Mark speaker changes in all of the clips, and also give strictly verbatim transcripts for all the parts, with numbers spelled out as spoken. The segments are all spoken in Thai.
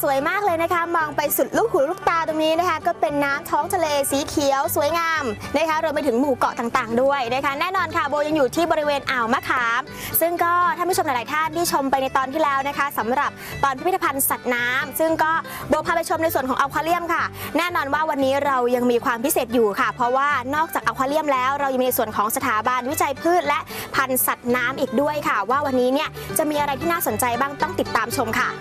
Speaker 1: วยมากเลยนะคะมองไปสุดลูกหูลูกตาตรงนี้นะคะก็เป็นน้ำท้องทะเลสีเขียวสวยงามนะคะรวมไปถึงหมู่เกาะต่างๆด้วยนะคะแน่นอนค่ะโบยังอยู่ที่บริเวณอ่าวมะขามซึ่งก็ท่านผู้ชมหลายๆท่านที่ชมไปในตอนที่แล้วนะคะสำหรับตอนพิพิธภัณฑ์สัตว์น้ำซึ่งก็โบพาไปชมในส่วนของอควาเรียมค่ะแน่นอนว่าวันนี้เรายังมีความพิเศษอยู่ค่ะเพราะว่านอกจากอควาเรียมแล้วเรายังมีในส่วนของสถาบันวิจัยพืชและพันธุ์สัตว์น้ำอีกด้วยค่ะว่าวันนี้เนี่ยจะมีอะไรที่น่าสนใจบ้างต้องติดตามชมค่ะ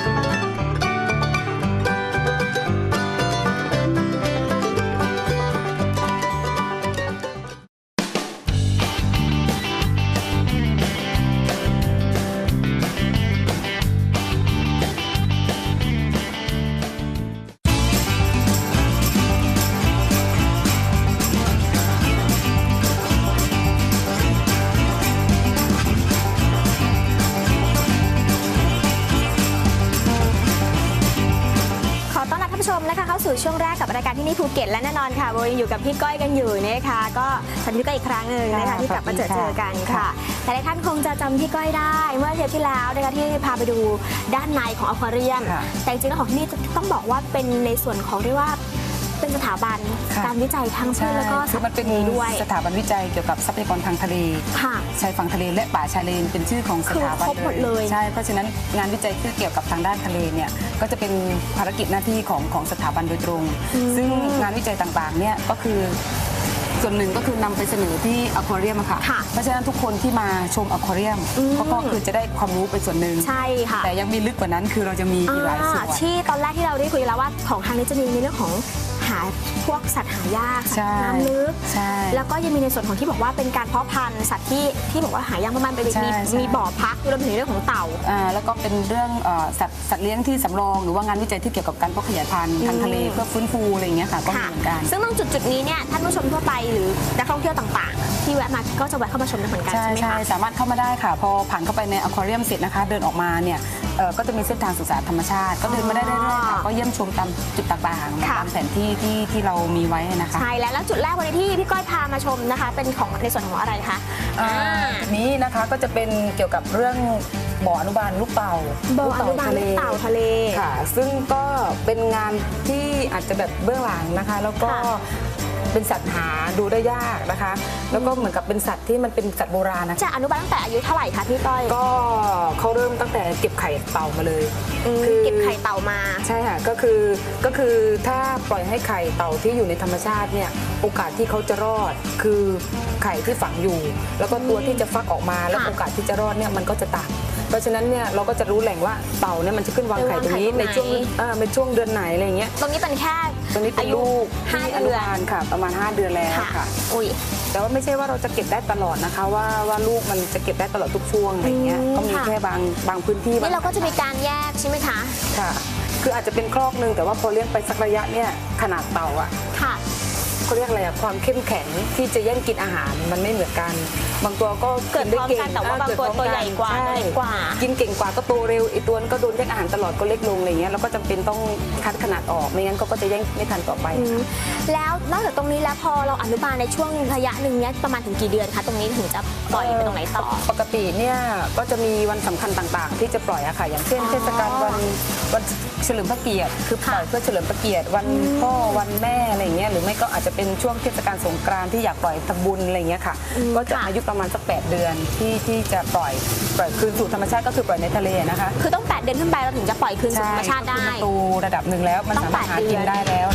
Speaker 1: ชมนะคะเข้าสู่ช่วงแรกกับรายการที่นี่ภูเก็ตและแน่นอนค่ะโบยังอยู่กับพี่ก้อยกันอยู่นะคะก็ฉันพี่ก้อยอีกครั้งหนึ่งนะคะที่กลับมาเจอเจอกันค่ะแต่หลายท่านคงจะจำพี่ก้อยได้เมื่อเทปที่แล้วนะคะที่พาไปดูด้านในของอควาเรียมแต่จริงๆแล้วของที่นี่ต้องบอกว่าเป็นในส่วนของเรียกว่าเป็นสถาบันการวิจัยทางพืชแล้วก็สัตว์ทะเลด้วย
Speaker 2: สถาบันวิจัยเกี่ยวกับทรัพยากรทางทะเลชายฝั่งทะเลและป่าชายเลนเป็นชื่อของสถาบันเลยใช่เพราะฉะนั้นงานวิจัยที่เกี่ยวกับทางด้านทะเลเนี่ยก็จะเป็นภารกิจหน้าที่ของของสถาบันโดยตรงซึ่งงานวิจัยต่างๆเนี่ยก็คือส่วนหนึ่งก็คือนำไปเสนอที่อควาเรียมค่ะเพราะฉะนั้นทุกคนที่มาชมอควาเรียมก็คือจะได้ความรู้เป็นส่วนหนึ่ง
Speaker 1: ใช่ค่ะ
Speaker 2: แต่ยังมีลึกกว่านั้นคือเราจะมีอีกหลายส่วน
Speaker 1: ที่ตอนแรกที่เราได้คุยแล้วว่าของทางนี้จะมีในเรื่องของหาพวกสัตว์หายากสัตว์น้ำลึกแล้วก็ยังมีในส่วนของที่บอกว่าเป็นการเพาะพันธุ์สัตว์ที่ที่บอกว่าหายากมากๆไปมีมีบ่อพักรวมถึงเรื่องของเต่า
Speaker 2: แล้วก็เป็นเรื่องสัตว์สัตว์เลี้ยงที่สำรองหรือว่างานวิจัยที่เกี่ยวกับการเพาะขยายพันธุ์ทางทะเลเพื่อฟื้นฟูอะไรอย่างเงี้ยค่ะก็มีเหมือนกัน
Speaker 1: ซึ่งตรงจุดจุดนี้เนี่ยท่านผู้ชมทั่วไปหรือนักท่องเที่ยวต่างๆที่แวะมาก็จะแวะเข้ามาชมได้เหมือนกันใช่ไหมคะ
Speaker 2: สามารถเข้ามาได้ค่ะพอผ่านเข้าไปในอควาเรียมเสร็จนะคะเดินออกมาเนี่ยก็จะมีเส้นทางศึกษาธรรมชาติก็เดินมาได้เรื่อยๆค่ะก็เยี่ยมชมตามจุดต่างๆตามแผนที่ที่ที่เรามีไว้นะคะ
Speaker 1: ใช่แล้วแล้วจุดแรกวันนี้ที่พี่ก้อยพามาชมนะคะเป็นของในส่วนของอะไรคะ
Speaker 2: นี้นะคะก็จะเป็นเกี่ยวกับเรื่องบ่ออนุบาลลูกเต่า
Speaker 1: บ่ออนุบาลลูกเต่าทะเล
Speaker 2: ค่ะซึ่งก็เป็นงานที่อาจจะแบบเบื้องหลังนะคะแล้วก็เป็นสัตว์หาดูได้ยากนะคะแล้วก็เหมือนกับเป็นสัตว์ที่มันเป็นสัตว์โบราณนะ
Speaker 1: จะอนุบาลตั้งแต่อายุเท่าไหร่คะพี่ก้อย
Speaker 2: ก็เขาเริ่มตั้งแต่เก็บไข่เต่ามาเลย
Speaker 1: คือเก็บไข่เต่ามา
Speaker 2: ใช่ค่ะก็คือก็คือถ้าปล่อยให้ไข่เต่าที่อยู่ในธรรมชาติเนี่ยโอกาสที่เขาจะรอดคือไข่ที่ฝังอยู่แล้วก็ตัวที่จะฟักออกมาแล้วโอกาสที่จะรอดเนี่ยมันก็จะต่ำเพราะฉะนั้นเนี่ยเราก็จะรู้แหล่งว่าเต่าเนี่ยมันจะขึ้นวางไข่ตรงนี้ในช่วงเออเป็นช่วงเดือนไหนอะไรเงี้ย
Speaker 1: ตรงนี้เป็นแค่
Speaker 2: ตรงนี้เป็นลูก
Speaker 1: ห้าเดือน
Speaker 2: ค่ะประมาณห้าเดือนแล้วค่ะ
Speaker 1: อุ้ย
Speaker 2: แต่ว่าไม่ใช่ว่าเราจะเก็บได้ตลอดนะคะว่าว่าลูกมันจะเก็บได้ตลอดทุกช่วงอะไรเงี้ยก็มีแค่บางบางพื้นที่
Speaker 1: นี่เราก็จะมีการแยกใช่ไหมคะ
Speaker 2: ค่ะคืออาจจะเป็นครอกนึงแต่ว่าพอเลี้ยงไปสักระยะเนี่ยขนาดเต่าอะ
Speaker 1: ค่ะ
Speaker 2: เขาเรียกอะไรอะความเข้มแข็งที่จะแย่งกินอาหารมันไม่เหมือนกันบางตัวก็
Speaker 1: เกิดพร้อมกันแต่ว่าบางตัวตัวใหญ่กว่าเล็กกว่า
Speaker 2: กินเก่งกว่าก็โตเร็วอีกตัวก็โดนแย่งอาหารตลอดก็เล็กลงอะไรเงี้ยเราก็จำเป็นต้องคัดขนาดออกไม่งั้นก็จะแย่งไม่ทันต่อไป
Speaker 1: แล้วนอกจากตรงนี้แล้วพอเราอนุบาลในช่วงระยะหนึ่งเนี้ยประมาณถึงกี่เดือนคะตรงนี้ถึงจะปล่อยไปตรงไหนต่อ
Speaker 2: ปกติเนี่ยก็จะมีวันสำคัญต่างๆที่จะปล่อยอะค่ะอย่างเช่นเทศกาลวันวันเฉลิมพระเกียรติคือปล่อยเพื่อเฉลิมพระเกียรติวันพ่อวันแม่อะไรเงี้ยหรือไม่ก็อาจจะเป็นช่วงเทศกาลสงกรานต์ที่อยากปล่อยทำบุญอะไรเงี้ยค่ะก็จะอายุประมาณสักแปดเดือนที่ที่จะปล่อยปล่อยคืนสู่ธรรมชาติก็คือปล่อยในทะเลนะคะ
Speaker 1: คือต้องแปดเดือนขึ้นไปเราถึงจะปล่อยคืนสู่ธรรมชาติได้
Speaker 2: โตระดับหนึ่งแล้วมันสามารถหากินได้แล้ว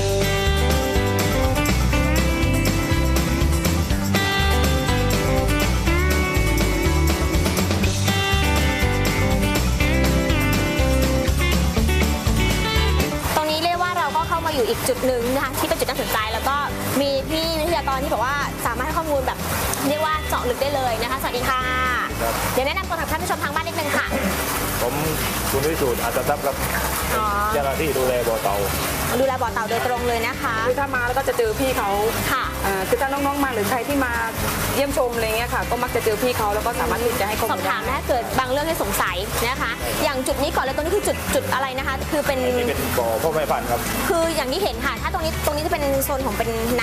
Speaker 1: อยู่อีกจุดหนึ่งนะคะที่เป็นจุดน่าสนใจแล้วก็มีพี่วิทยากรที่บอกว่าสามารถให้ข้อมูลแบบเรียกว่าเจาะลึกได้เลยนะคะสวัสดีค่ะเดี๋ยวแนะนำตัวกับท่านผู้ชมทางบ้านนิดนึงค่ะ
Speaker 3: ผมคุณวิสูตรอัตทัพย์ครับเจ้าหน้าที่ดูแลบ่อเต่า
Speaker 1: ดูแลบ่อเต่าโดยตรงเลยนะคะ
Speaker 2: คือถ้ามาแล้วก็จะเจอพี่เขา
Speaker 1: ค่ะ
Speaker 2: คือถ้าน้องๆมาหรือใครที่มาเยี่ยมชมอะไรเงี้ยค่ะก็มักจะเจอพี่เขาแล้วก็สามารถที่จะให้ข้อมูล
Speaker 1: สอบถามถ้าเกิดบางเรื่องให้สงสัยนะคะอย่างจุดนี้ก่อนเลยตรงนี้คือจุดจุดอะไรนะคะคือเป็น
Speaker 3: เป็นบ่อพ่อแม่พันธุ์ครับ
Speaker 1: คืออย่างที่เห็นค่ะถ้าตรงนี้ตรงนี้จะเป็นโซนของเป็นน้ำ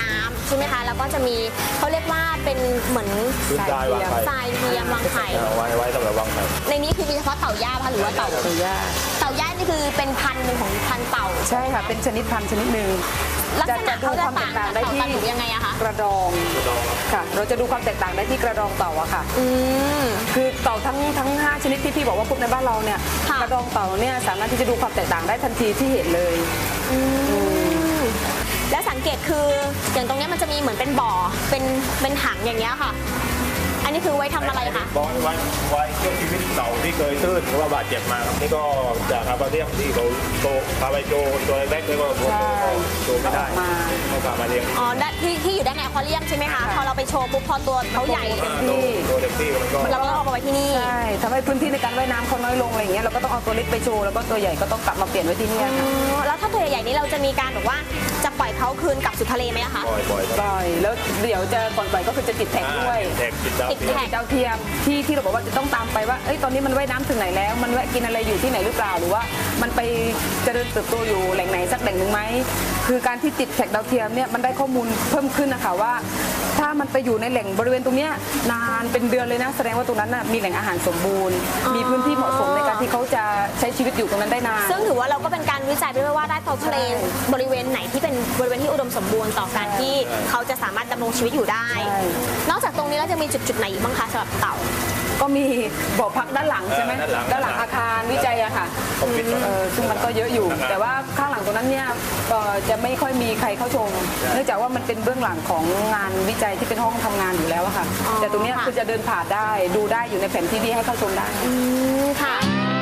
Speaker 1: ใช่ไหมคะแล้วก็จะมีเขาเรียกว่าเป็นเหมือน
Speaker 3: พื้นทรายวางไข่
Speaker 1: ทรายเทียมวางไข่
Speaker 3: เอาไว้ไว้สำหรับวางไข่
Speaker 1: ในนี้คือมีเฉพาะเต่าย่าคะหรือว่าเต่า
Speaker 2: ตัวย่า
Speaker 1: เต่าย่านี่คือเป็นพันธุ์หนึ่งของพันธุ์เต่า
Speaker 2: ใช่ค่ะเป็นชนิดพันธุ์ชนิดหนึ่ง
Speaker 1: ลักษณะ
Speaker 2: จะดู
Speaker 1: เขาจะ
Speaker 2: ความแต
Speaker 1: ต่าง
Speaker 2: กต่าง
Speaker 1: จาก
Speaker 2: ได้
Speaker 1: เต่า
Speaker 2: ที่
Speaker 1: ตะหนูยังไงอะคะ
Speaker 2: กระดองค่ะ เราจะดูความแตกต่างได้ที่กระดองเต่าอะค่ะ
Speaker 1: อืม
Speaker 2: คือเต่าทั้งทั้งห้าชนิดที่พี่บอกว่าพบในบ้านเราเนี่ย
Speaker 1: ค่ะ
Speaker 2: กระดองเต่าเนี่ยสามารถที่จะดูความแตกต่างได้ทันทีที่เห็นเลย
Speaker 1: อืมแล้วสังเกตคืออย่างตรงเนี้ยมันจะมีเหมือนเป็นบ่อเป็นเป็นถังอย่างเงี้ยค่ะ อันนี้คือไว้ทำอะไรคะ
Speaker 3: บอยไว้ไว้ช่วยชีวิตเต่าที่เคยตื้นหรือว่าบาดเจ็บมาครับนี่ก็จากอาบาเรียมที่เขาโตพาไปโจตัวเล็กๆแล้วก็
Speaker 2: ใช่
Speaker 3: โตไม่ได้
Speaker 2: ออกมา
Speaker 3: เขาพามาเลี้ยง
Speaker 1: อ๋อด้านที่ที่อยู่ด้านในอควาเรียมใช่ไหมคะ
Speaker 2: ค่ะ
Speaker 1: พอเราไปโชว์ปุ๊บพอตัวเขาใหญ่
Speaker 3: โตโตเต็มที่มันก็
Speaker 1: เราก็เอามาไว้ที่นี่
Speaker 2: ใช่ทำให้พื้นที่ในการว่ายน้ำเขาน้อยลงอะไรอย่างเงี้ยเราก็ต้องเอาตัวเล็กไปโชว์แล้วก็ตัวใหญ่ก็ต้องกลับมาเปลี่ยนไว้ที่เนี่ย
Speaker 1: อ๋
Speaker 2: ค่ะ
Speaker 1: อแล้วถ้าตัวใหญ่ๆนี้เราจะมีการแบบว่าจะปล่อยเขาคืนกลับสู่ทะเลไหมอะคะ
Speaker 3: ปล่อยปล่อย
Speaker 2: ปล่อยแล้วเดี๋ยวจะก่อนปล่อยก็คือจะติดแท็กด้วย
Speaker 3: แท็กติดดาว
Speaker 1: ติด
Speaker 3: เทียม
Speaker 1: แท็ก
Speaker 2: ดาวเทียมที่ที่เราบอกว่าจะต้องตามไปว่าเอ้ยตอนนี้มันว่ายน้ำถึงไหนแล้ว มันแวะกินอะไรอยู่ที่ไหนหรือเปล่าหรือว่ามันไปเจริญเติบโตอยู่แหล่งไหนสักแหล่งหนึ่งไหมคือการที่ติดแท็กดาวเทียมเนี่ยมันได้ข้อมูลเพิ่มขึ้นนะคะว่า ถ้ามันไปอยู่ในแหล่งบริเวณตรงเนี้ยนานเป็นเดือนเลยนะแสดงว่าตรงนั้นน่ะมีแหล่งอาหารสมบูรณ์ มีพื้นที่เหมาะสมในการที่เขาจะใช้ชีวิตอยู่ตรงนั้นได้นาน
Speaker 1: ซึ่งถือว่าเราก็เป็นการวิจัยไปด้วยว่าได้ท้องทะเลบริเวณไหนที่เป็นบริเวณที่อุดมสมบูรณ์ต่อการที่เขาจะสามารถดำรงชีวิตอยู่ได้
Speaker 2: ใช่
Speaker 1: นอกจากตรงนี้แล้วจะมีจุดจุดๆไหนอีกบ้างคะสำหรับเต่า
Speaker 2: ก็มีบ่อพักด้านหลังใช่ไหม
Speaker 3: เออด้านหลัง
Speaker 2: ด้านหลังอาคารวิจัยอะค่ะ
Speaker 3: คอมพิวเตอร์
Speaker 2: เออซึ่งมันก็เยอะอยู่
Speaker 3: นะครับ
Speaker 2: แต่ว่าข้างหลังตรงนั้นเนี่ยเอ่อจะไม่ค่อยมีใครเข้าชม เนื่องจากว่ามันเป็นเบื้องหลังของงานวิจัยที่เป็นห้องทำงานอยู่แล้วอะค่ะ
Speaker 1: อ๋อ
Speaker 2: แต่ตรงเนี้ย
Speaker 1: ค่ะ
Speaker 2: คือจะเดินผ่านได้ดูได้อยู่ในแผนที่ที่ให้เข้าชมได้
Speaker 1: อืมค่ะ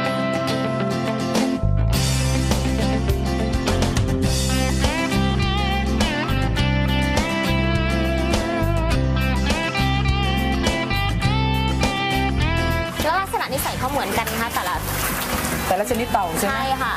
Speaker 1: แล้วลักษณะนิสัยเขาเหมือนกันนะคะแต่ละ
Speaker 2: แต่ละชนิดเต่าใช่ไหม
Speaker 1: ใช่ค่ะ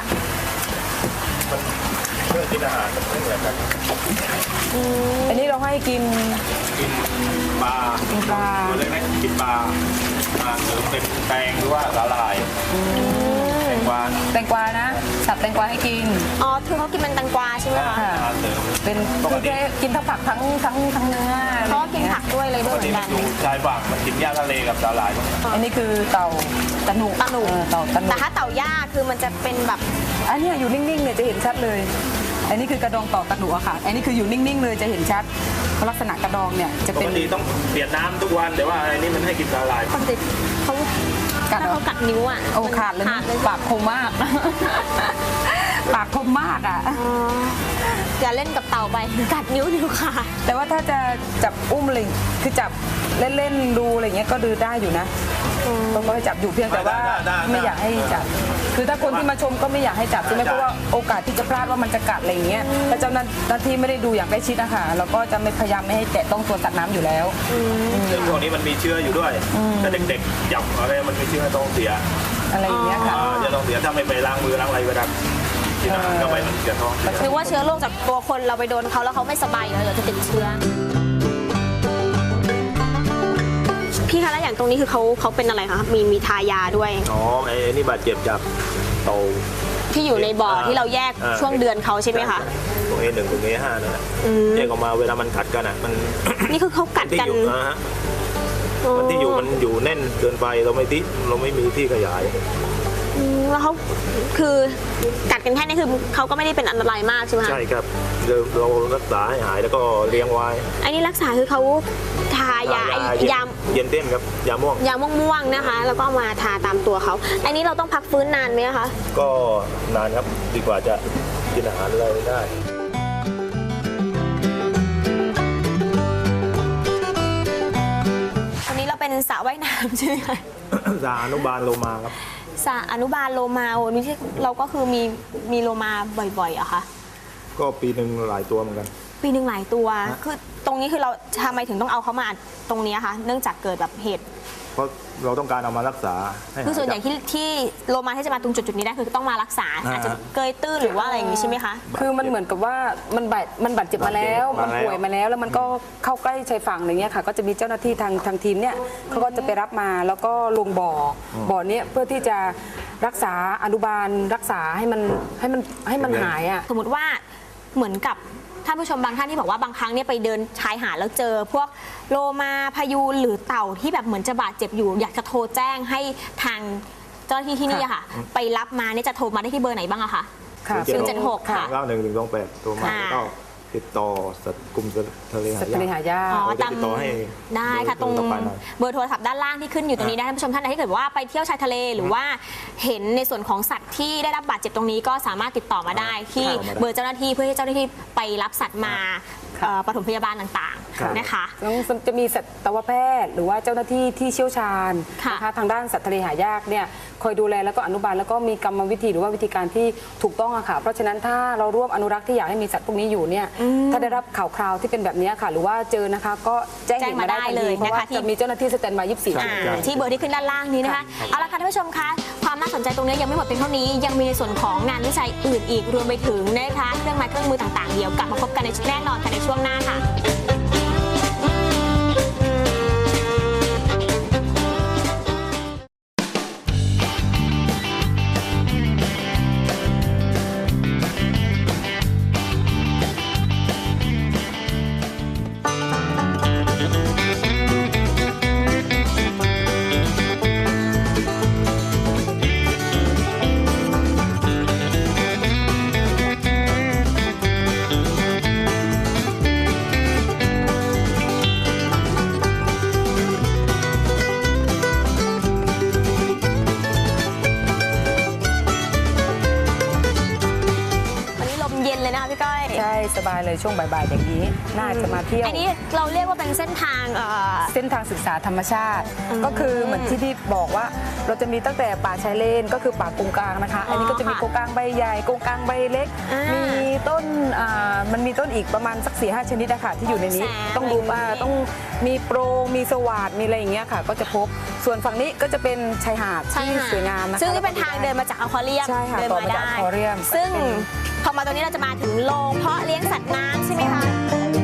Speaker 3: เพื่อกินอาหารมันไม่เหมือนกัน
Speaker 2: อันนี้เราให้กิน
Speaker 3: กินปลา
Speaker 2: กินปลา
Speaker 3: ตัวเล็กๆกินปลาอาหารเสริมเป็นแตงหรือว่าสาหร่ายแตงกวา
Speaker 2: แตงกวานะสับแตงกวาให้กิน
Speaker 1: อ๋อคือเขากินเป็นแตงกวาใช่ไหมคะ
Speaker 2: ค่ะ
Speaker 3: อาหารเสริม
Speaker 2: เป็นคือแค่กินทั้งผักทั้งทั้งทั้งเนื้อ
Speaker 1: เขาก็กินผักด้วยเลยด้วย
Speaker 3: ป
Speaker 1: เห
Speaker 3: ก
Speaker 1: มื
Speaker 3: ติ
Speaker 1: อน
Speaker 3: มั
Speaker 1: กัน น
Speaker 3: อยู่ชายฝั่งมันกินหญ้าทะเลกับสาหร่ายพวกนี้
Speaker 2: อันนี้คือเต่าตะหนุ
Speaker 1: ตะหนุ
Speaker 2: เออเต่าตะหนุ
Speaker 1: แต่ถ้าเต่าย่าคือมันจะเป็นแบบ
Speaker 2: อันเนี้ยอยู่นิ่งๆเนี่ยจะเห็นชัดเลย อันนี้คือกระดองเต่าตะหนุอะค่ะ อันนี้คืออยู่นิ่งๆเลยจะเห็นชัดเพราะลักษณะกระดองเนี่ยจะ
Speaker 3: ป
Speaker 2: เป็น
Speaker 3: กติต้องเปลี่ยนน้ำทุกวันแต่ว่าอันนี้มันให้กินสาหร่าย
Speaker 1: ปกติเขา
Speaker 2: กัด
Speaker 1: ถ้า
Speaker 2: เหรอ
Speaker 1: เขากัดนิ้วอ่ะ
Speaker 2: โอ้ขาดเลย
Speaker 1: ขาดเลย
Speaker 2: ปากคมมาก ปากคมมากอ่ะ
Speaker 1: อ๋ออย่าเล่นกับเต่าไปกัดนิ้วนิ้วขาด
Speaker 2: แต่ว่าถ้าจะจับอุ้มอะไรคือจับเล่นๆดูอะไรเงี้ยก็ดูได้อยู่นะต้องก็ให้จับอยู่เพียงแต่ว่าไม่อยากให้จับ คือถ้าคนที่มาชมก็ไม่อยากให้จับใช่ไหมเพราะว่าโอกาสที่จะพลาดว่ามันจะกัดอะไรอย่างเงี้ยถ้าเจ้าหน้าที่ไม่ได้ดูอย่างใกล้ชิดนะคะเราก็จะไม่พยายามไม่ให้แตะต้องตัวสัตว์น้ำอยู่แล้ว
Speaker 3: ซึ่งพวกนี้มันมีเชื้ออยู่ด้วยแต่เด็กๆจับอะไรมันมีเชื้อต้องเสีย
Speaker 2: อะไรอย่างเงี้ยค่ะ
Speaker 3: อ่าจะต้องเสียถ้าไม่ไปล้างมือล้างอะไรเวลากินอาหารเข้าไปมันจะท้อง
Speaker 1: นึกว่าเชื้อโรคจากตัวคนเราไปโดนเขาแล้วเขาไม่สบายอยู่แล้วเดี๋ยวจะติดเชื้อพี่คะแล้วอย่างตรงนี้คือเขาเขาเป็นอะไรคะมีมีทายาด้วย
Speaker 3: อ๋อไอ้นี่บาดเจ็บจากเต่า
Speaker 1: ที่อยู่ในบ่อที่เราแยก
Speaker 3: อ่า
Speaker 1: ช่วงเดือนเขาใช่ไหมคะ
Speaker 3: ตรงเอหนึ่งตรงเอห้านั่นแหละ
Speaker 1: อืม
Speaker 3: แยกออกมาเวลามันกัดกันอ่ะมัน
Speaker 1: นี่คือเขากัด
Speaker 3: ที่
Speaker 1: กัน
Speaker 3: อยู่นะฮะมันที่อยู่มันอยู่แน่นเกินไปเราไม่ที่เราไม่มีที่ขยาย
Speaker 1: อืมแล้วเขาคือกัดกันแค่นี้คือเขาก็ไม่ได้เป็นอันตรายมากใช่ไหมคะ
Speaker 3: ใช่ครับเราเรารักษาให้หายแล้วก็เลี้ยงไว้
Speaker 1: อันนี้รักษาคือเขาทายาไอ้
Speaker 3: เย็น
Speaker 1: ยา
Speaker 3: เย็นเต้นครับยาม่วง
Speaker 1: ยาม่วงๆนะคะ แล้วก็เอามาทาตามตัวเขาอันนี้เราต้องพักฟื้นนานไหมคะ
Speaker 3: ก็นานครับดีกว่าจะกินอาหารอะไรได้
Speaker 1: วันนี้เราเป็นสระว่ายน้ำใช่ไหมคะ
Speaker 3: สาอนุบาลโลมาครับ
Speaker 1: สระอนุบาลโลมาโอ้นี่ที่เราก็คือมีมีโลมาบ่อยๆเหรอะคะ
Speaker 3: ก็ปีหนึ่งหลายตัวเหมือนกัน
Speaker 1: ปีหนึ่งหลายตัวคือตรงนี้คือเราทำไมถึงต้องเอาเขามาตรงนี้คะเนื่องจากเกิดแบบเหตุ
Speaker 3: เพราะเราต้องการเอามารักษาให้หาย
Speaker 1: คือส่วนใหญ่
Speaker 3: จาก
Speaker 1: ที่ที่โลมาที่จะมาตรงจุดจุดๆนี้ได้คือต้องมารักษา
Speaker 3: อ่า
Speaker 1: อาจจะเกยตื้นหรือว่าอะไรอย่างนี้ใช่ไหมคะ
Speaker 2: คือมันเหมือนกับว่ามันบาดมันบาดเจ็บมาแล้ว
Speaker 3: บา
Speaker 2: มั
Speaker 3: ด
Speaker 2: น
Speaker 3: เจ็บ
Speaker 2: ป่วยมาแล้ว แล้วมันก็เข้าใกล้ชายฝั่งอะไรเงี้ยค่ะ ก็จะมีเจ้าหน้าที่ทางทางทีมเนี่ยเขาก็จะไปรับมาแล้วก็ลงบ่ออบ่อเนี้ยเพื่อที่จะรักษาอนุบาลรักษาให้มันให้มันให้มันหายอ่ะ
Speaker 1: สมมติว่าเหมือนกับท่านผู้ชมบางท่านที่บอกว่าบางครั้งเนี่ยไปเดินชายหาดแล้วเจอ พวกโลมาพายูนหรือเต่าที่แบบเหมือนจะบาดเจ็บอยู่ อยากจะโทรแจ้งให้ทางเจ้าหน้าที่ที่นี่อะค่ะ ไปรับมาเนี่ยจะโทรมาได้ที่เบอร์ไหนบ้างอะคะ
Speaker 2: ค่ะ
Speaker 1: ศูนย์เจ็ดหกค่ะ
Speaker 3: เก้าหนึ่งหนึ่งสองแปดตัวมา
Speaker 1: ค่ะ
Speaker 3: แล้วก็ติดต่อสัตว์กลุ่มสัตว์ทะเล
Speaker 2: สัตว์ทะเลหายาก
Speaker 1: อ๋อ
Speaker 3: เราจะ
Speaker 1: ตาม
Speaker 3: ติดต่อให้
Speaker 1: ได้ค่ะตรง
Speaker 3: เบอต่อไปหน่อย
Speaker 1: เบอร์โทรศัพท์ด้านล่างที่ขึ้นอยู่ตรงนี้นะท่านผู้ชมท่านใดที่เกิดว่าไปเที่ยวชายทะเลหรือว่าเห็นในส่วนของสัตว์ที่ได้รับบาดเจ็บตรงนี้ก็สามารถติดต่อมาได้ที่
Speaker 3: ค่ะ
Speaker 1: เบอร์เจ้าหน้าที่เพื่อให้เจ้าหน้าที่ไปรับสัตว์มา
Speaker 2: ค่ะ
Speaker 1: เอ่อปฐมพยาบาลต่าง
Speaker 3: ค่ะ
Speaker 1: ๆนะคะ
Speaker 2: แล้วจะมีสัตวแพทย์หรือว่าเจ้าหน้าที่ที่เชี่ยวชาญ
Speaker 1: ค่ะ
Speaker 2: นะคะทางด้านสัตว์ทะเลหายากเนี่ยคอยดูแลแล้วก็อนุบาลแล้วก็มีกรรมวิธีหรือว่าวิธีการที่ถูกต้องอะค่ะเพราะฉะนั้นถ้าเราร่วมอนุรักษ์ที่อยากให้มีสัตว์พวกนี้อยู่เนี่ยถ้าได้รับข่าวคราวที่เป็นแบบนี้ค่ะ หรือว่าเจอนะคะก็แจ้งเหตุมาได้ทัน
Speaker 1: แจ้งมาได้เลย
Speaker 2: ทีเพราะว่า
Speaker 1: นะคะที่
Speaker 2: จะมีเจ้าหน้าที่สแตนบายยี่สิบสี่ชั่ว
Speaker 1: อ่า
Speaker 2: โมง
Speaker 1: ที่เบอร์ที่ขึ้นด้านล่างนี้นะคะ เอาละค่ะท่านผู้ชมคะความน่าสนใจตรงนี้ยังไม่หมดเพียงเท่านี้ยังมีในส่วนของงานวิจัยอื่นอีกรวมไปถึงนะคะเครื่องไม้เครื่องมือต่างๆเดี๋ยวกลับมาพบกันในแน่นอนค่ะในช่วงหน้าค่ะ วันนี้ลมเย็นเลยนะคะพี่ก้อย
Speaker 2: ใช่สบายเลยช่วงบ่ายๆอย่างนี้น่าจะมาเที่ยว
Speaker 1: อันนี้เราเรียกว่าเป็นเส้นทางเอ่อ
Speaker 2: เส้นทางศึกษาธรรมชาติ
Speaker 1: อืม
Speaker 2: ก็คือเหมือนที่พี่บอกว่าเราจะมีตั้งแต่ป่าชายเลนก็คือป่ากงกลางนะคะ
Speaker 1: อ๋ออั
Speaker 2: อันนี้ก็จะมี
Speaker 1: ค่ะ
Speaker 2: กงกลางใบใหญ่กงกลางใบเล็ก
Speaker 1: อ่ามี
Speaker 2: มีต้นอ่ามันมีต้นอีกประมาณสักสี่ห้าชนิดนะคะที่อยู่ในนี้
Speaker 1: แสน
Speaker 2: ต้องดูว่า
Speaker 1: อะไรอย่างนี้
Speaker 2: ต้องมีโปรงมีสวัสดมีอะไรอย่างเงี้ยค่ะ ก็จะพบส่วนฝั่งนี้ก็จะเป็นชายหาด
Speaker 1: ใช่
Speaker 2: ที่
Speaker 1: ค่ะ
Speaker 2: สวยงามนะคะ
Speaker 1: ซึ่งนี่เป็นทางเดินมาจากอควาเรียม
Speaker 2: ใช่ค่ะ
Speaker 1: เดิน
Speaker 2: ต่อ
Speaker 1: มา
Speaker 2: มาจาก
Speaker 1: ได้
Speaker 2: อควาเรียม
Speaker 1: ซึ่ง
Speaker 2: เป็น
Speaker 1: พอมาตรงนี้เราจะมาถึงโรงเพาะเลี้ยงสัตว์น้ำใช่ไหมคะ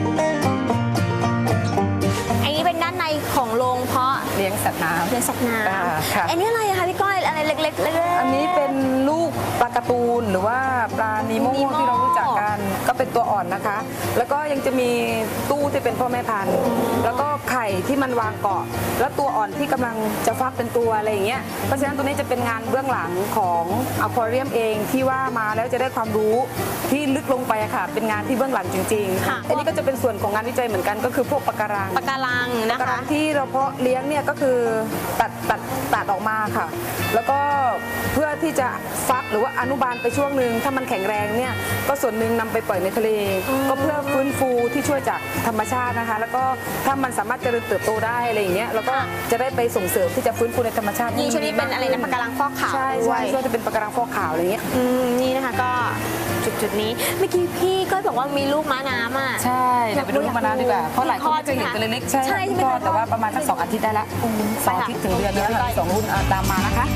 Speaker 1: อันนี้เป็นด้านในของโรงเพาะ
Speaker 2: เลี้ยงสัตว์น้ำ
Speaker 1: เลี้ยงสัตว์น้
Speaker 2: อ่าค่ะ
Speaker 1: ำอันนี้อะไรอะคะพี่ก้อยอะไรเล็กๆเล็กๆ
Speaker 2: อันนี้เป็นลูกปลาการ์ตูนหรือว่าปลานีโม
Speaker 1: นีโม่
Speaker 2: ที่เรารู้จักกันก็เป็นตัวอ่อนนะคะ แล้วก็ยังจะมีตู้ที่เป็นพ่อแม่พันธุ์แล้วก็ไข่ที่มันวางเกาะ แล้วตัวอ่อนที่กำลังจะฟักเป็นตัวอะไรอย่างเงี้ยเพราะฉะนั้นตัวนี้จะเป็นงานเบื้องหลังของอควาเรียมเองที่ว่ามาแล้วจะได้ความรู้ที่ลึกลงไปอะค่ะ เป็นงานที่เบื้องหลังจริง
Speaker 1: ค่ะ
Speaker 2: ๆอันนี้ก็จะเป็นส่วนของงานวิจัยเหมือนกันก็คือพวกปะการัง
Speaker 1: ปะการังนะ
Speaker 2: กระ
Speaker 1: คะ
Speaker 2: รังที่เราเพาะเลี้ยงเนี่ยก็คือตัดตัดตัดออกมาค่ะ แล้วก็เพื่อที่จะฟักหรือว่าอนุบาลไปช่วงหนึ่งถ้ามันแข็งแรงเนี่ยก็ส่วนหนึ่งนำไปปล่อยในทะเล ก็เพื่อฟื้นฟูที่ช่วยจากธรรมชาตินะคะ แล้วก็ถ้ามันสามารถเจริญเติบโตได้อะไรอย่างเงี้ยแล้วก็จะได้ไปส่งเสริมที่จะฟื้นฟูในธรรมชาติ
Speaker 1: นี่ชุดนี้เป็นอะไรนะปะการังฟอกขาว
Speaker 2: ใช่
Speaker 1: ด้ว
Speaker 2: ใช่
Speaker 1: ย
Speaker 2: ช่วยจะเป็นปะการังฟอกขาวอะไรอย่างเงี้ย
Speaker 1: อืมนี่นะคะก็จุดจุดๆนี้เมื่อกี้พี่ก็บอกว่ามีลูกม้าน้ำอ่ะ
Speaker 2: ใช่เดี๋ยวไปดูลูกมะนาวดีกว่าเพราะหลายคนไม่เคยเห็นตัวเล็กๆใช่
Speaker 1: ใช่ใช่ไหม
Speaker 2: ก็
Speaker 1: คะ
Speaker 2: แต่ว่าประมาณสักสองอาทิตย์ได้ละสองอาทิตย์ถึงเดือนแล้วค่ะสองรุ่นอ่ะตามมานะคะ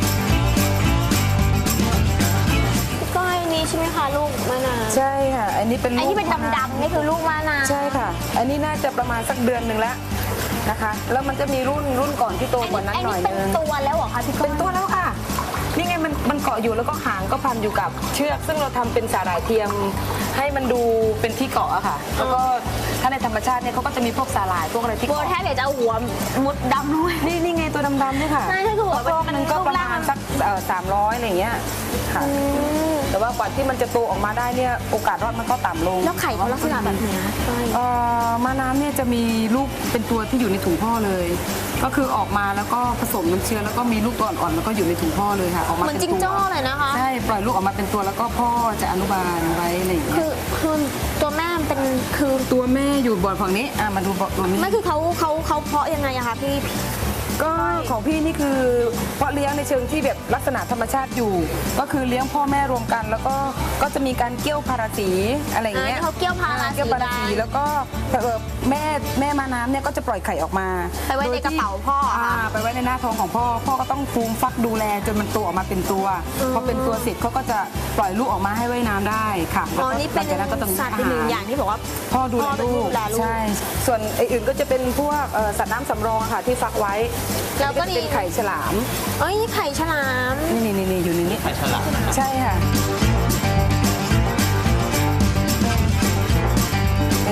Speaker 1: พี่ก้อยนี่ใช่ไหมคะลูกม้าน้ำ
Speaker 2: ใช่ค่ะ อันนี้เป็น
Speaker 1: ไอ้
Speaker 2: ลูก
Speaker 1: ที่เป็น
Speaker 2: มะาว
Speaker 1: ดำๆนี่คือลูกม้าน้ำ
Speaker 2: ใช่ค่ะ อันนี้น่าจะประมาณสักเดือนหนึ่งแล้วนะคะ แล้วมันจะมีรุ่นรุ่นก่อนที่โตกว่านั้น
Speaker 1: ไอ้
Speaker 2: หน่อย
Speaker 1: นี่เป็น
Speaker 2: นึง
Speaker 1: ตัวแล้วเหรอคะพี่ก้อย
Speaker 2: เป็นตัวแล้วค่ะ นี่ไงมันมันเกาะอยู่แล้วก็หางก็พันอยู่กับเชือก ซึ่งเราทำเป็นสาหร่ายเทียมให้มันดูเป็นที่เกาะอะค่ะ แล้วก็ถ้าในธรรมชาติเนี่ยเขาก็จะมีพวกสาหร่ายพวกอะไรที่
Speaker 1: โบ
Speaker 2: เกาะ
Speaker 1: แทบอยากจะเอาหัวมุดดำด้วย
Speaker 2: นี่นี่ไงตัวดำๆนี่ค่ะ
Speaker 1: ใช่ใช่คือหัว
Speaker 2: ก็
Speaker 1: มัน
Speaker 2: มันก็
Speaker 1: รูป
Speaker 2: ประ
Speaker 1: ร่าง
Speaker 2: มาณสักสามร้อยอะไรอย่างเงี้ยค่ะ แต่ว่ากว่าที่มันจะโตออกมาได้เนี่ยโอกาสรอดมันก็ต่ำลง
Speaker 1: แล้วไข่เขาลักษณะแบบไหนคะพี่ก้อย
Speaker 2: เอ่อม้าน้ำเนี่ยจะมีลูกเป็นตัวที่อยู่ในถุงพ่อเลย ก็คือออกมาแล้วก็ผสมน้ำเชื้อแล้วก็มีลูกตัวอ่อนๆแล้วก็อยู่ในถุงพ่อเลยค่ะออกมา
Speaker 1: เหมือน
Speaker 2: เป็น
Speaker 1: จิง
Speaker 2: ตัว
Speaker 1: โจ้เลยนะคะ
Speaker 2: ใช่ปล่อยลูกออกมาเป็นตัวแล้วก็พ่อจะอนุบาลไว้อะไรอย่างเงี้
Speaker 1: คื
Speaker 2: ย
Speaker 1: อคือตัวแม่มันเป็นคือ
Speaker 2: ตัวแม่อยู่บ่อนฝั่งนี้อ่ะมาดูบ่อนตัวนี้
Speaker 1: ไม่คือเขาเขาเขาเพาะยังไงอะคะพี่
Speaker 2: ก็ของพี่นี่คือเพาะเลี้ยงในเชิงที่แบบลักษณะธรรมชาติอยู่ ก็คือเลี้ยงพ่อแม่รวมกัน แล้วก็ก็จะมีการเกี่ยวพาราสีอะไรอย่างเงี้ย
Speaker 1: อ่าที่เขาเกี่ยวพาราสี
Speaker 2: เกี่ยวพาราสีแล้วก็เอ่อแม่แม่มาน้ำเนี่ยก็จะปล่อยไข่ออกมา
Speaker 1: ไปไว้ในกระเป๋าพ่ออะค่ะ
Speaker 2: าไปไว้ในหน้าท้องของพ่อ พ่อก็ต้องฟูมฟักดูแลจนมันโตออกมาเป็นตัวพอเป็นตัวเสร็จเขาก็จะปล่อยลูกออกมาให้ว่ายน้ำได้ค่ะ
Speaker 1: อ๋อ
Speaker 2: แล้วก็
Speaker 1: นี่เป็น
Speaker 2: หลังจากนั้นก็ต้อง
Speaker 1: สัตว์เป็นหนึ่งอย่างที่บอกว่า
Speaker 2: พ่อดูแล
Speaker 1: พ่อเป็น
Speaker 2: ลู
Speaker 1: ผู้
Speaker 2: ก
Speaker 1: ดูแลลูก
Speaker 2: ใช่ส่วนไอ้อื่นก็จะเป็นพวกเอ่อสัตว์น้ำสำรองอะค่ะที่ฟักไว้
Speaker 1: แล้วก็
Speaker 2: จะเป็นไข่ฉลาม
Speaker 1: เอ้ยนี่ไข่ฉลาม
Speaker 2: นี่นี่นี่อยู่ในนี้ไข่ฉลามใช่ค่ะ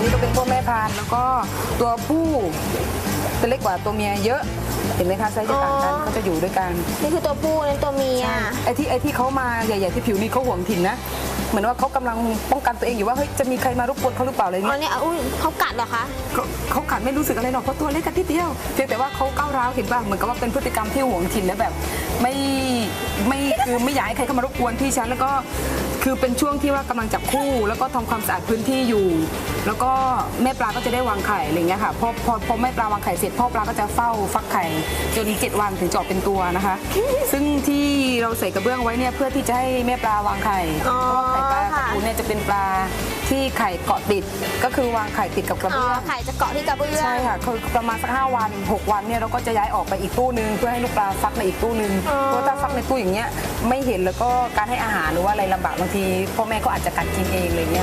Speaker 2: นี้ก็เป็นพวกแม่พันธุ์แล้วก็ตัวผู้จะเล็กกว่าตัวเมียเยอะเห็นไหมคะไซส์จะต่างกันเขาจะอยู่ด้วยกัน
Speaker 1: นี่คือตัวผู้นั่นตัวเมีย
Speaker 2: ไอ้ที่ไอ้ที่เขามาใหญ่ๆที่ผิวนี่เขาห่วงถิ่นนะเหมือนว่าเขากำลังป้องกันตัวเองอยู่ว่าเฮ้ยจะมีใครมารบกวนเขาหรือเปล่าอะไร
Speaker 1: อ๋อ
Speaker 2: เงี้ย
Speaker 1: เนี่ยอุ้ยเขากัดเหรอคะ
Speaker 2: เขาเขากัดไม่รู้สึกอะไรหรอกเพราะตัวเล็กกันทีเดียวเพียงแต่ว่าเขาก้าวร้าวเห็นป่ะเหมือนกับว่าเป็นพฤติกรรมที่ห่วงถิ่นและแบบไม่ไม่คือไม่อยากให้ใครเข้ามารบกวนที่ฉันแล้วก็คือเป็นช่วงที่ว่ากำลังจับคู่ แล้วก็ทำความสะอาดพื้นที่อยู่ แล้วก็แม่ปลาก็จะได้วางไข่อะไรเงี้ยค่ะพอพอพอแม่ปลาวางไข่เสร็จพ่อปลาก็จะเฝ้าฟักไข่จนเจ็ดวันถึงจะออกเป็นตัวนะคะ ซึ่งที่เราใส่กระเบื้องไว้เนี่ยเพื่อที่จะให้แม่ปลาวางไข่เพ
Speaker 1: อ๋อ
Speaker 2: ราะว่าไข่ปลากระ
Speaker 1: ค่ะ
Speaker 2: ปูเนี่ยจะเป็นปลาที่ไข่เกาะติดก็คือวางไข่ติดกับกระ
Speaker 1: อ๋อ
Speaker 2: เบื้อง
Speaker 1: ไข่จะเกาะที่กระเบื้อง
Speaker 2: ใช่ค่ะคือประมาณสักห้าวันหกวันเนี่ยเราก็จะย้ายออกไปอีกตู้นึงเพื่อให้ลูกปลาฟักในอีกตู้นึงเพราะถ้าฟักในตู้อย่างเงี้ยไม่เห็นแล้วก็การให้อาหารหรือว่าอะไรลำบากบางทีพ่อแม่ก็อาจจะกัดกินเองอะไรเงี้ย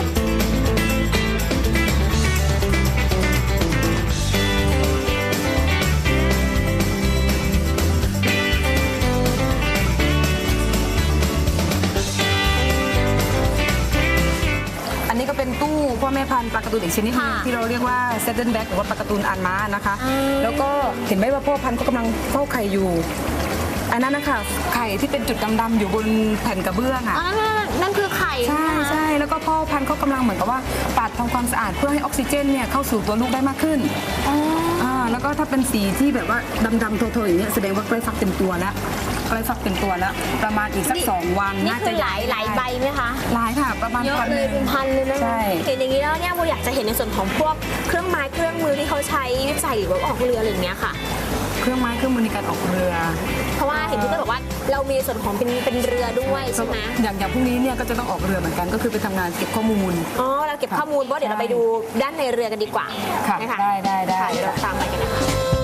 Speaker 2: อันนี้ก็เป็นตู้พ่อแม่พันธุ์ปลาการ์ตูนอีกชนิดหนึง
Speaker 1: ค่ะ
Speaker 2: ที่เราเรียกว่าเซตเดิลแบ็กหรือว่าปลาการ์ตูนอ่านม้านะคะ
Speaker 1: อืม
Speaker 2: แล้วก็เห็นไหมว่าพ่อพันธุ์ก็กำลังเฝ้าไข่อยู่ อันนั้นนะคะไข่ที่เป็นจุดดำๆอยู่บนแผ่นกระเบื้องอ่ะ
Speaker 1: อ๋อนั่นนั่นนั่นคือไข่
Speaker 2: ใช่
Speaker 1: ไหมคะ
Speaker 2: ใช่แล้วก็พ่อพันธุ์เขากำลังเหมือนกับว่าปัดทำความสะอาดเพื่อให้ออกซิเจนเนี่ยเข้าสู่ตัวลูกได้มากขึ้น
Speaker 1: อ๋อ
Speaker 2: อ่าแล้วก็ถ้าเป็นสีที่แบบว่าดำๆโทๆอย่างเงี้ยแสดงว่าใกล้ฟักเต็มตัวแล้วใกล้ฟักเต็มตัวแล้ว ประมาณอีกสักสองวัน
Speaker 1: นี่
Speaker 2: น่า
Speaker 1: คื
Speaker 2: จะ
Speaker 1: อหลายหลายใบไหมคะ
Speaker 2: หลายค่ะประมาณ
Speaker 1: เยอะ
Speaker 2: พัน
Speaker 1: เล
Speaker 2: ห
Speaker 1: ย
Speaker 2: นึ่ง
Speaker 1: เป็นพันเลยนะ
Speaker 2: ใช่
Speaker 1: เห็นอย่างนี้แล้วเนี่ยโมอยากจะเห็นในส่วนของพวกเครื่องไม้เครื่องมือที่เขาใช้วิจัยหรือว่าออกเรืออะไรอย่างเงี้ยค่ะ
Speaker 2: เครื่องไม้เครื่องมือในการออกเรือ
Speaker 1: เพราะว่าเห็นพี่ก็บอกว่าเรามีส่วนของเป็นเป็นเรือด้วยใช่ไหม
Speaker 2: อย่างอย่างพรุ่งนี้เนี่ยก็จะต้องออกเรือเหมือนกันก็คือไปทำงานเก็บข้อมูล
Speaker 1: อ๋อเราเก็บข้อมูลเพราะเดี๋ยวเราไปดูด้านในเรือกันดีกว่า
Speaker 2: ค่ะ
Speaker 1: นะคะ
Speaker 2: ได้ได้ได้
Speaker 1: ค่ะเดี๋ยวเราตามไปกันนะคะ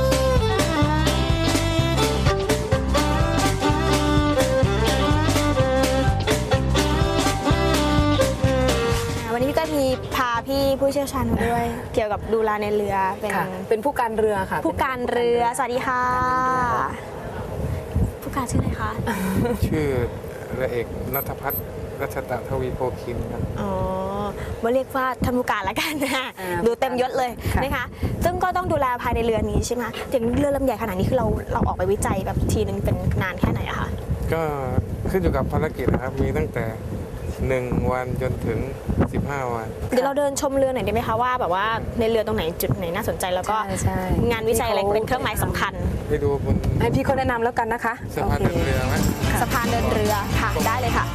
Speaker 1: วันนี้พี่ก็มีพาพี่ผู้เชี่ยวชาญมาด้วย เกี่ยวกับดูแลในเรือเป็น
Speaker 2: ค่ะเป็นผู้การเรือค่ะ
Speaker 1: ผู้การเรือ สวัสดีค่ะ ผู้การชื่ออะไรคะ
Speaker 4: ชื่อเรือเอกณัฐพัฒน์รัชตะทวีโพคินครับ
Speaker 1: อ๋อมาเรียกว่าท่านผู้การละกันนะ
Speaker 2: อ่า
Speaker 1: ดูเต็มยศเลย
Speaker 2: ค่ะ
Speaker 1: นะคะ ซึ่งก็ต้องดูแลภายในเรือนี้ใช่ไหมอย่างเรือลำใหญ่ขนาดนี้คือเราเราออกไปวิจัยแบบทีนึงเป็นนานแค่ไหนอะคะ
Speaker 4: ก็ขึ้นอยู่กับภารกิจนะครับ มีตั้งแต่หนึ่งวันจนถึงสิบห้าวัน
Speaker 1: เดี๋ยวเราเดินชมเรือหน่อยได้ไหมคะว่าแบบว่าในเรือตรงไหนจุดไหนน่าสนใจแล้วก็
Speaker 2: ใช่ใช่
Speaker 1: งานวิจัยอะไรเป็นเครื่องหมายสำคัญ
Speaker 4: ไปดูบน
Speaker 2: ให้พี่เขาแนะนำแล้วกันนะคะ
Speaker 4: สะพาน
Speaker 2: โอ
Speaker 4: เดิน
Speaker 2: เค
Speaker 4: เรือไหม
Speaker 1: สะพานเดินเรือค่ะได้เลยค่ะ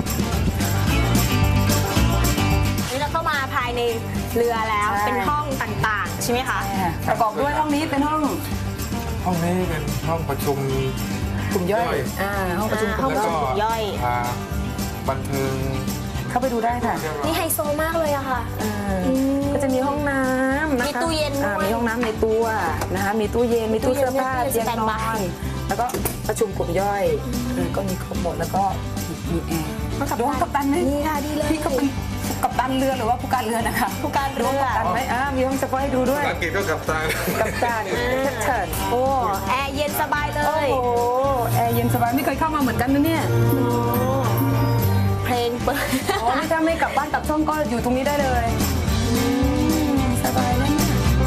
Speaker 1: นี่เราเข้ามาภายในเรือแล้วเป็นห้องต่างๆ ใช่ไหมคะ
Speaker 2: ประกอบด้วยห้องนี้เป็นห้อง
Speaker 4: ห้องนี้เป็นห้องประชุม
Speaker 2: กลุ่มย่อย
Speaker 4: ย่อย
Speaker 2: อ่าห้องประชุม
Speaker 1: อ่าก ห้อง
Speaker 2: ลุ่ม
Speaker 1: ประชุ
Speaker 2: ย่
Speaker 1: ม
Speaker 2: อย
Speaker 1: ย่อย
Speaker 4: พาบันเทิง
Speaker 2: เข้าไปดูได้ค่ะ
Speaker 4: เรียบร้อย
Speaker 1: นี่ไฮโซมากเลยอะค่ะ
Speaker 2: อ่า
Speaker 1: อืม
Speaker 2: ก็จะมีห้องน้ำนะคะ
Speaker 1: มีตู้เย็นด้วย
Speaker 2: อ่ามีห้องน้ำในตัวนะคะมีตู้เย็นมีตู้เสื้อผ้า
Speaker 1: ตู้เย็น
Speaker 2: เตียงน
Speaker 1: สแตน
Speaker 2: อบ
Speaker 1: าย
Speaker 2: นแล้วก็ประชุมกลุ่มย่อยเออก็มีครบหมดแล้วก็มีแอร์ดูห้องกัปตันไหม
Speaker 1: นี่ค่ะดีเลย
Speaker 2: พี่ก็เป็นกัปตันเรือหรือว่าผู้การเรือนะคะ
Speaker 1: ผู้การเรือ
Speaker 2: ดูห้องกัปตันไหมอ่ามีห้องเฉพาะให้ดูด้วย
Speaker 4: ภารกิจก็กลับตา
Speaker 2: กัปตันเชิญ
Speaker 1: โอ้แอร์เย็นสบายเล
Speaker 2: โอ้
Speaker 1: ย
Speaker 2: โหแอร์เย็นสบายไม่เคยเข้ามาเหมือนกันนะเนี่ย
Speaker 1: เพลงเปิด
Speaker 2: อ๋อนี่ถ้าไม่กลับบ้านกลับช่องก็อยู่ตรงนี้ได้เลยสบายเลยเนี่ย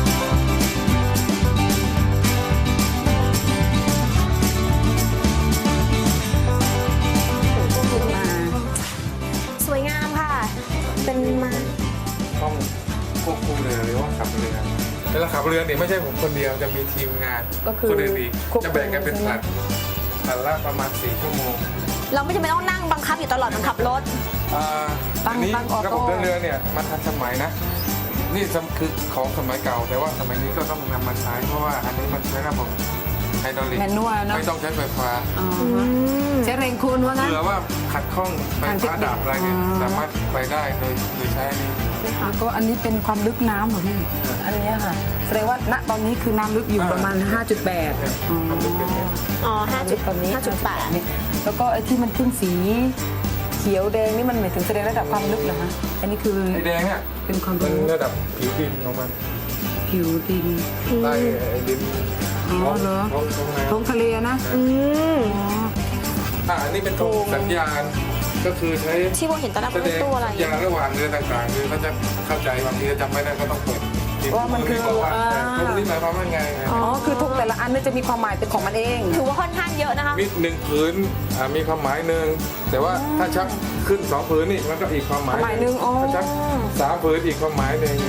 Speaker 1: สวยงามค่ะ เป็นมา
Speaker 4: ห้องควบคุมเรือหรือว่าขับเรือเวลาขับเรือเนี่ยไม่ใช่ผมคนเดียวจะมีทีมงาน
Speaker 2: ก็คือ
Speaker 4: คนอื่นอีก
Speaker 2: ควบคุม
Speaker 4: จะแบ่งกันเป็นผลัดผลัดละประมาณสี่ชั่วโมง
Speaker 1: เราไม่จำเป็นต้องนั่งบังคับอยู่ตลอดเหมันขับรถ
Speaker 4: อ่า
Speaker 2: ตั้ง
Speaker 4: อันนี้
Speaker 2: ตั้งออโต้
Speaker 4: ระบบเดินเรือเนี่ยมันทันสมัยนะ นี่สมคือของสมัยเก่า แต่ว่าสมัยนี้ก็ต้องนำมาใช้ เพราะว่าอันนี้มันใช้ระบบไฮดรอลิก
Speaker 2: แมนนวลเนอะ
Speaker 4: ไม่ต้องใช้ไฟฟ้า
Speaker 2: อ๋อใช้แรงคูณว่างั้น
Speaker 4: เผื่อว่าขัดข้องไฟ
Speaker 2: ทางเทค
Speaker 4: ฟ้า
Speaker 2: นิค
Speaker 4: ดับอะไรเนี่ย
Speaker 2: อ๋อ
Speaker 4: สามารถไปได้โดยโดยใช้อันนี้
Speaker 2: แล้วก็อันนี้เป็นความลึกน้ำเหรอพี่ อันเนี้ยค่ะแสดงว่าณตอนนี้คือน้ำลึกอยู่
Speaker 4: อ่า
Speaker 2: ประมาณ ห้าจุดแปด อ๋อ
Speaker 4: ความลึกเป็นเนี่ย
Speaker 1: อ๋อห้าจุด
Speaker 2: ตอนนี้
Speaker 1: ห้าจุดแปด
Speaker 2: นี่แล้วก็ไอ้ที่มันขึ้นสีเขียวแดงนี่มันหมายถึงแสดงระดับความลึกเหรอคะ อันนี้คือ
Speaker 4: ไอแดงเนี่ย
Speaker 2: เป็นความ
Speaker 4: มัน
Speaker 2: รู้
Speaker 4: ระดับผิวดินของมัน
Speaker 2: ผิวดิน
Speaker 4: ใต้ไอ้ดิน
Speaker 2: อ๋อเหรอ
Speaker 4: ท้องท้องน้ำ
Speaker 2: ท้องทะเลนะ
Speaker 1: อืม
Speaker 2: อ๋อ
Speaker 4: อ่าอันนี้เป็นธงสัญญาณก็คือใช้
Speaker 1: ที่โบเห็นตอนนั้น
Speaker 4: แส
Speaker 1: เป็น
Speaker 4: ดง
Speaker 1: ตัวอะไร
Speaker 4: สัญญาณระหว่างเรือต่างๆคือเขาจะเข้าใจบางทีจำไม่ได้ก็ต้องเปิด
Speaker 2: ว่ามันคือ
Speaker 4: บอกว่า
Speaker 2: อ่า
Speaker 4: ตรงนี้หมายความว่าไง
Speaker 2: อ๋อคือทุกแต่ละอันเนี่ยจะมีความหมายเป็นของมันเอง
Speaker 1: ถือว่าค่อนข้างเยอะนะคะ
Speaker 4: มีหนึ่งผืนอ่ามีความหมายหนึ่งแต่ว่าถ้าชักขึ้นสองผืนนี่มันก็อีกความหมาย
Speaker 2: ความหมายหนึ่งอ๋อ
Speaker 4: ถ้าชักสามผืนอีกความหมายหนึ่ง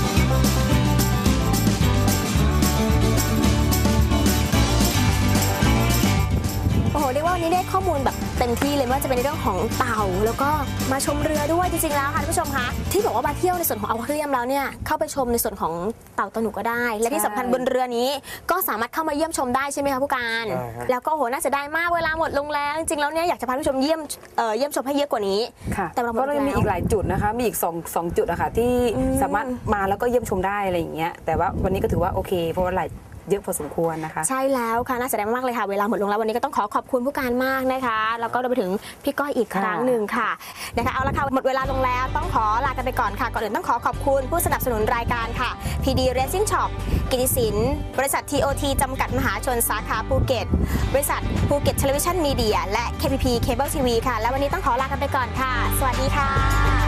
Speaker 1: โอ้โหเรียกว่าวันนี้ได้ข้อมูลแบบเต็มที่เลยไม่ว่าจะเป็นในเรื่องของเต่าแล้วก็มาชมเรือด้วยจริงๆแล้วค่ะท่านผู้ชมคะที่บอกว่ามาเที่ยวในส่วนของอควาเรียมแล้วเนี่ยเข้าไปชมในส่วนของเต่าตัวหนูก็ได้ และที่สำคัญบนเรือนี้ก็สามารถเข้ามาเยี่ยมชมได้ใช่ไหมคะผู้การ
Speaker 4: ใช่ครับ
Speaker 1: แล้วก็โอ้โหน่าเสียดายมากเวลาหมดลงแล้วจริงๆแล้วเนี่ยอยากจะพาท่านผู้ชมเยี่ยมเอ่อเยี่ยมชมให้เยอะกว่านี้
Speaker 2: ค่ะ
Speaker 1: แต่เราหมด
Speaker 2: ก็เลยมี
Speaker 1: แล้ว
Speaker 2: อีกหลายจุดนะคะ มีอีกสองสองจุดอะค่ะที่
Speaker 1: อืม
Speaker 2: สามารถมาแล้วก็เยี่ยมชมได้อะไรอย่างเงี้ยแต่ว่าวันนี้ก็ถือว่าโอเคเพราะว่าหลายเยอะพอสมควรนะคะ
Speaker 1: ใช่แล้วค่ะน่าเสียดายมากเลยค่ะเวลาหมดลงแล้ววันนี้ก็ต้องขอขอบคุณผู้การมากนะคะแล้วก็รวมไปถึงพี่ก้อยอีกครั้งหนึ่งค่ะนะคะเอาละค่ะหมดเวลาลงแล้วต้องขอลากันไปก่อนค่ะก่อนอื่นต้องขอขอบคุณผู้สนับสนุนรายการค่ะ พี ดี Racing Shop กิติสินบริษัท ที โอ ที จำกัดมหาชนสาขาภูเก็ตบริษัทภูเก็ตเทเลวิชั่นมีเดียและ เค พี พี Cable ที วี ค่ะและวันนี้ต้องขอลากันไปก่อนค่ะ สวัสดีค่ะ